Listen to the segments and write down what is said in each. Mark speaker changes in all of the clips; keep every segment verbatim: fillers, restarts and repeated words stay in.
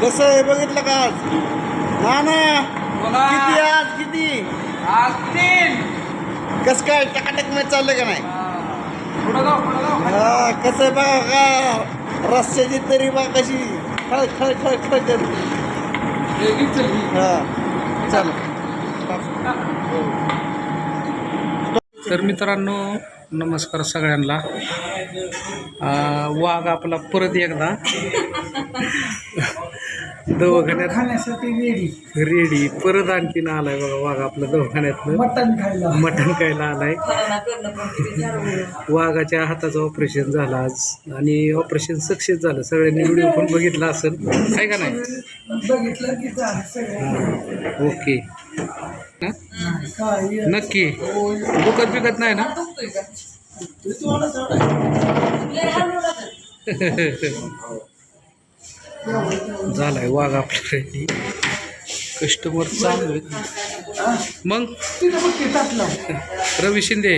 Speaker 1: कसं आहे बघितलं का आज? ना ना
Speaker 2: बोला.
Speaker 1: किती आज किती
Speaker 2: आज तीन.
Speaker 1: कसं काय टकाटक मॅच चाललं का नाही?
Speaker 2: पुढं जाऊ पुढं जाऊ.
Speaker 1: हा कसं आहे बघा का रस्त्याची तरी बा कशी खळ खळ खळ खळ करते.
Speaker 2: वेगळीच चल ही.
Speaker 1: हा चल
Speaker 3: तर मित्रांनो नमस्कार सगळ्यांना. वाघ आपला परत एकदा दवाखान्यात
Speaker 2: खाण्यासाठी रेडी.
Speaker 3: रेडी परत आणखीन आलाय बघा. वाघ आपला दवाखान्यातनं
Speaker 2: मटण खायला.
Speaker 3: मटण खायला आलाय. वाघाच्या हाताचं ऑपरेशन झालं आज आणि ऑपरेशन सक्सेस झालं. सगळ्यांनी व्हिडिओ पण बघितला असेल काय का नाही?
Speaker 2: बघितलं की झालं सगळं.
Speaker 3: ओके
Speaker 2: काय
Speaker 3: नक्की दुखत बिकत नाही ना? झालाय वाघ आपल्या कस्टमर चांगले मग.
Speaker 2: तिथं बघ की टाकलं.
Speaker 3: रवी शिंदे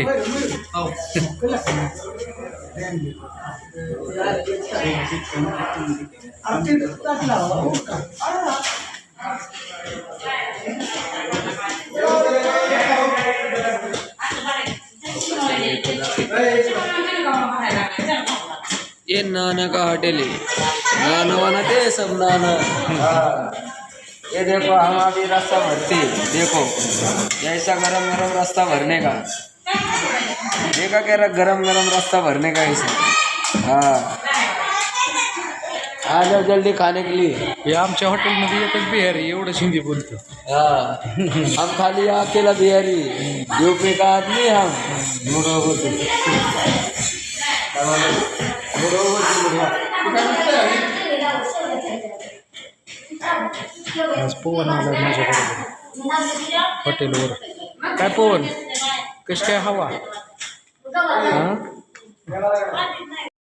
Speaker 2: आमच्या इथं टाकला हो का?
Speaker 4: ये नाना का होटल है, नाना वाना दे सब नाना। हाँ। ये देखो हम अभी रास्ता भरते, देखो ऐसा गरम गरम रास्ता भरने का, देखा कह रहा गरम गरम रास्ता भरने का ऐसा। हाँ आ जाओ जल्दी खाने के लिए।
Speaker 3: हे आमच्या हॉटेलमध्ये एकच बिहारी एवढं हिंदी बोलतो.
Speaker 4: हाँ हम खाली अकेला बिहारी, यूपी का आदमी हम। मुड़ो बोलते मुड़ो बोलते
Speaker 3: आज पवन आला माझ्याकडे हॉटेलवर. काय पवन कशी काय हवा? हां